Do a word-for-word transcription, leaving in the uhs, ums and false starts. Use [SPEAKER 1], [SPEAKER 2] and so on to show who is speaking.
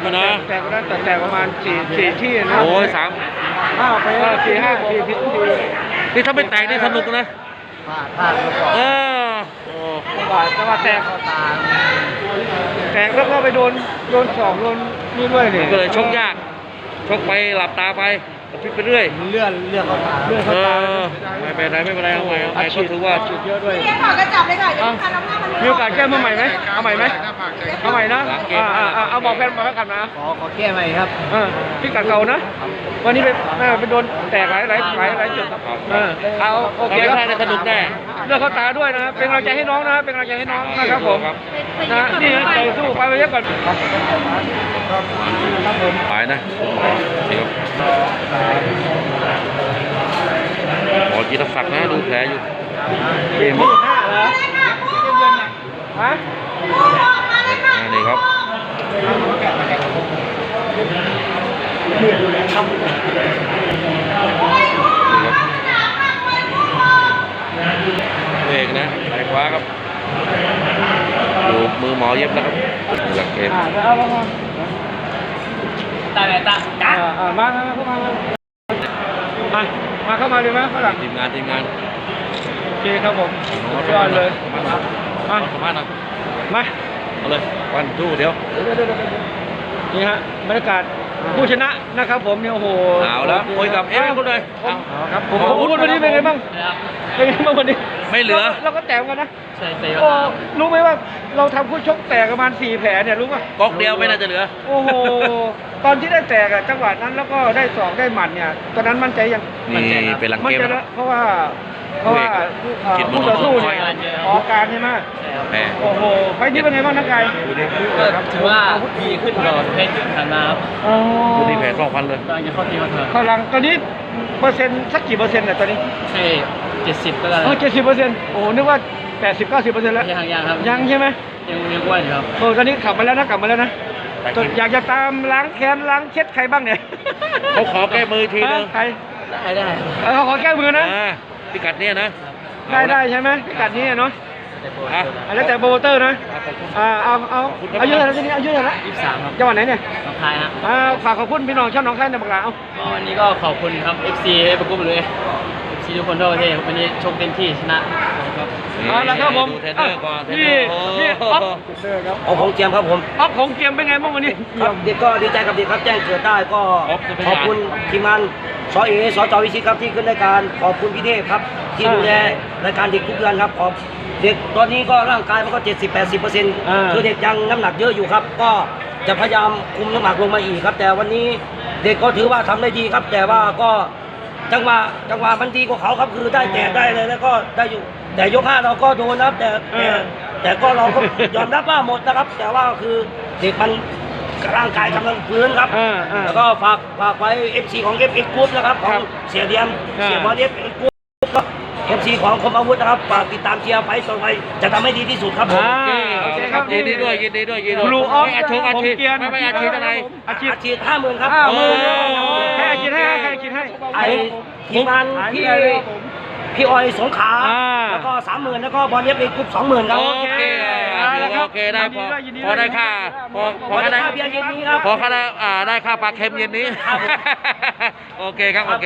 [SPEAKER 1] อะนะ
[SPEAKER 2] แตกก็ได้แต่แตกประมาณสี่สี่ที่นะ
[SPEAKER 1] โอ้ยสาม
[SPEAKER 2] ห้าไปสี่ห้าสี่ที่
[SPEAKER 1] นี่ถ้าไม่แตกนี่สนุกนะ
[SPEAKER 3] พลาดพลาดแล้วก็
[SPEAKER 1] เออโอ้
[SPEAKER 2] บาทแต่ว่าแตก
[SPEAKER 3] เข้าตา
[SPEAKER 2] แตกแล้วก็ไปโดนโดนสองโดนนี่ด้วยนี่
[SPEAKER 1] ก็เลยชกยากชกไปหลับตาไปกระพริบไปเรื่อย
[SPEAKER 3] เลื่อนเลื่อนเข้าตา
[SPEAKER 2] เลือด
[SPEAKER 1] เอ
[SPEAKER 2] เข้าตา
[SPEAKER 1] อไม่เป็นไรไม่เป็นไรเอาใหม่เอาใหม่ก็ถือว่า
[SPEAKER 2] ฉีดเยอะด้วย
[SPEAKER 4] พี่ขอกระจับเลยค่ะเดี๋ยวลูกค้ารับหน้ามัน
[SPEAKER 2] มีโอกาสแก้มือใหม่ไหมเอาใหม่ไหมเอาใหม่นะอ่าอ่าอ่าเอาบอกแฟนมาแล้วกันนะ
[SPEAKER 3] ขอขอแก้ใหม่ครับ
[SPEAKER 2] อ่าพี่กัดเก่านะ วันนี้ไปน่าไปโดนแตกหลายหลายหลายหลายจุดเออเอาโอเค
[SPEAKER 1] เรา
[SPEAKER 2] ค
[SPEAKER 1] ไม่
[SPEAKER 2] รับ
[SPEAKER 1] ได้สนุกแน่
[SPEAKER 2] เลือกเข้าตาด้วยนะเป็นกำลังใจให้น้องนะเป็นกำลังใจให้น้องนะครับผมนะนี่ใจสู้ไปไปเยอะก่อนครับผม
[SPEAKER 1] หายนะคุณหมอนี่ครับหมอจิตศักดิ์นะดูแผลอยู่
[SPEAKER 2] เกมที่ห้าเหรอฮะ
[SPEAKER 1] นี่ครับนี่ครับเอกนะสายขวาครับดูมือหมอเย็บแล้วครับหลักเกม
[SPEAKER 2] อ่าเอาเอาเอา
[SPEAKER 3] ตาไหนตา
[SPEAKER 2] อ่าอ่ามามาเข้ามามามาเข้ามาเลยไหมฝรั่ง
[SPEAKER 1] ทีมงานทีมงาน
[SPEAKER 2] โอเคครับผมสุดยอดเลยมา
[SPEAKER 1] มาสมาร์ทนะ
[SPEAKER 2] มา
[SPEAKER 1] เอาเลยวันทูเดี๋ยว
[SPEAKER 2] นี่ฮะบรรยากาศผู้ชนะนะครับผมเนี่ยโอ้โห
[SPEAKER 1] เอาแล้วคุยกับเอฟคนเลยเอา
[SPEAKER 2] ครับผมผมพูดวันนี้เป็นไงบ้างเป็นไงบ้างวันนี้
[SPEAKER 1] ไม่เหลือ
[SPEAKER 2] เราก็แตกกันนะ
[SPEAKER 3] ใช่ใช่
[SPEAKER 2] โอ้รู้ไหมว่าเราทำคู่ชกแตกประมาณสี่แผลเนี่ยรู้ป่ะ
[SPEAKER 1] ก๊อกเดียวไม่น่าจะเหลือ
[SPEAKER 2] โอ้โหตอนที่ได้แตกอะจังหวะนั้นแล้วก็ได้สองได้หมัดเนี่ยตอนนั้นมั่นใจยัง
[SPEAKER 1] นี่เป็นหลัง
[SPEAKER 2] มั่น
[SPEAKER 1] เกม
[SPEAKER 2] ใจ
[SPEAKER 1] นะ
[SPEAKER 2] แล้วเพราะว่าเพราะว่า
[SPEAKER 1] คิด
[SPEAKER 2] คู่
[SPEAKER 1] ว่า
[SPEAKER 2] ต่อสู้
[SPEAKER 1] ค
[SPEAKER 2] เนี่
[SPEAKER 1] อย
[SPEAKER 2] ยออกการใช่ไหม
[SPEAKER 1] แหม
[SPEAKER 2] โอ้โหไฟล์นี้เป็นไงบ้างนักกาย
[SPEAKER 1] ดูดิ
[SPEAKER 3] ก็ถือว่าดีขึ้นกว่าเพชรผ่านมาครับ
[SPEAKER 2] อ๋อ
[SPEAKER 1] ดูดิแผลสองพันเลย
[SPEAKER 3] กำลังจะเข้าทีมมาเถอะ
[SPEAKER 2] พลังตอนนี้เปอร์เซ็นต์สักกี่เปอร์เซ็นต์เนี่ยตอนนี้
[SPEAKER 3] ใช่เจ็ดสิบก็ได้
[SPEAKER 2] เออเจ็ดสิบเปอร์เซ็นต์โอ้นึกว่าแปดสิบเก้าสิบเปอร์เซ็นต์แล้ว
[SPEAKER 3] ยังยังครับ
[SPEAKER 2] ยังใช่ไหม
[SPEAKER 3] ยังยังอ้วนอยู่ครับ
[SPEAKER 2] โอ้ตอนนี้ขับมาแล้วนะกลับมาแล้วนะ
[SPEAKER 1] แต่กิน
[SPEAKER 2] อยากจะตามล้างแค้นล้างเช็ดใครบ้างเนี่ย
[SPEAKER 1] เขาขอแก้มือทีนึง
[SPEAKER 2] ฮะใคร
[SPEAKER 3] ได้ได้
[SPEAKER 2] เออเขาขอแก้มือนะ
[SPEAKER 1] อ่าพิกัดเนี่ยนะ
[SPEAKER 2] ได้ได้ใช่ไหมพิกัดนี้อะเนาะ
[SPEAKER 1] อ่ะ
[SPEAKER 2] อ่ะแล้วแต่โปรโมเตอร์นะอ่าเอาเอาเอาเยอะแล้วทีนี้เอาเยอะแล้ว
[SPEAKER 3] ยี่สิบสามครับ
[SPEAKER 2] จังหวัดไหนเนี่ย
[SPEAKER 3] น้องคายฮะ
[SPEAKER 2] อ่าฝากขอบคุณพี่น้องชาวหนองคายในบักหลาเอา
[SPEAKER 3] ก็วันนี้ก็ขอบคุณครับ เอฟ ซี เอฟประกุมเลย เอฟ ซี ทุกคนทั่วประเทศครับวันนี้ชกเต็มที่ชนะครับ
[SPEAKER 2] เอาละครับผม
[SPEAKER 1] ดูเทรนเนอร์ก่อนเทรนเน
[SPEAKER 2] นี่
[SPEAKER 1] อร์โอ้
[SPEAKER 2] นี่
[SPEAKER 1] โห
[SPEAKER 2] อ๊อฟเทรนเนอร์ครับ
[SPEAKER 5] ของผมเจียมครับผม
[SPEAKER 2] อ๊อฟของเกมเป็นไงบ้างวันนี้
[SPEAKER 5] ครับเด็กก็ดีใจกับเด็กครับแจ้งเกิดได้ก็
[SPEAKER 1] อ๊อฟจะเป็น
[SPEAKER 5] ขอบคุณทีมงานสเอสจวิชิตครับที่ขึ้นรายการขอบคุณพี่เทพครับที่ดูแลรายการเด็กทุกเดือนครับขอบเด็กตอนนี้ก็ร่างกายมันก็ เจ็ดสิบถึงแปดสิบเปอร์เซ็นต์ คือเด็กยังน้ำหนักเยอะอยู่ครับ ก็จะพยายามคุมน้ำหนักลงมาอีกครับ แต่วันนี้เด็กก็ถือว่าทำได้ดีครับ แต่ว่าก็จังหวะจังหวะมันดีกว่าเขาครับคือได้แต่ได้เลยแล้วก็ได้อยู่แต่ยกห้าเราก็โดนนะครับแต่แต่แต่ก็เราก็ยอมรับว่าหมดนะครับ แต่ว่าคือเด็กมันร่างกายกำลังฟื้นครับ
[SPEAKER 2] อ่าอ่า
[SPEAKER 5] แล้วก็ฝากฝากไว้ เอฟ ซี ของ เอฟ เอ็กซ์ Group นะครับข
[SPEAKER 2] ค
[SPEAKER 5] อ
[SPEAKER 2] รั
[SPEAKER 5] ง
[SPEAKER 2] บ
[SPEAKER 5] เสียเดียม
[SPEAKER 2] อ่า
[SPEAKER 5] เสียบอล เอฟ เอ็กซ์ Group เอฟ ซี ของคมอาวุธนะครับฝากติดตามเชียร์ไฟต์ต่อไปจะทำให้ดีที่สุดครับผม
[SPEAKER 2] อ่า
[SPEAKER 1] โอ
[SPEAKER 2] โอ
[SPEAKER 1] เค
[SPEAKER 2] เค
[SPEAKER 1] ค
[SPEAKER 2] ค
[SPEAKER 1] รั
[SPEAKER 2] รั
[SPEAKER 1] บบ ยินดีด้วยยินดีด้วยยินดีด้วย
[SPEAKER 2] Blue Off
[SPEAKER 1] ไม่อาชีพอาชีพ
[SPEAKER 2] ผมเกียรติ
[SPEAKER 1] ไม่ไม่อาชีพอะไร
[SPEAKER 2] อาชีพ
[SPEAKER 5] อาชีพห้าหมื่นครับ
[SPEAKER 2] ห้าหมื่น
[SPEAKER 1] โอ้
[SPEAKER 2] ให้อาชีพให้ให้อาชีพให้
[SPEAKER 5] ไอ้ทีมงานพี่พี่ออยสงขลา
[SPEAKER 2] อ่า
[SPEAKER 5] แล้วก็สามหมื่นแล้วก็บอลเอฟเอ็กซ์ Group สองหมื่นครับ
[SPEAKER 1] โอเค
[SPEAKER 2] เอาละครับ
[SPEAKER 1] โอเคได้พอ
[SPEAKER 2] ยินดีด้วย
[SPEAKER 1] พอได้ค่าพอพ
[SPEAKER 5] พ
[SPEAKER 1] อ
[SPEAKER 5] อ
[SPEAKER 1] ได้
[SPEAKER 5] ได้ค่าเบียร์เย็นนี้ครับ
[SPEAKER 1] พอค่าได้อ่าได้ค่าปลาเค็มเย็นนี้ โอเคครับโอเค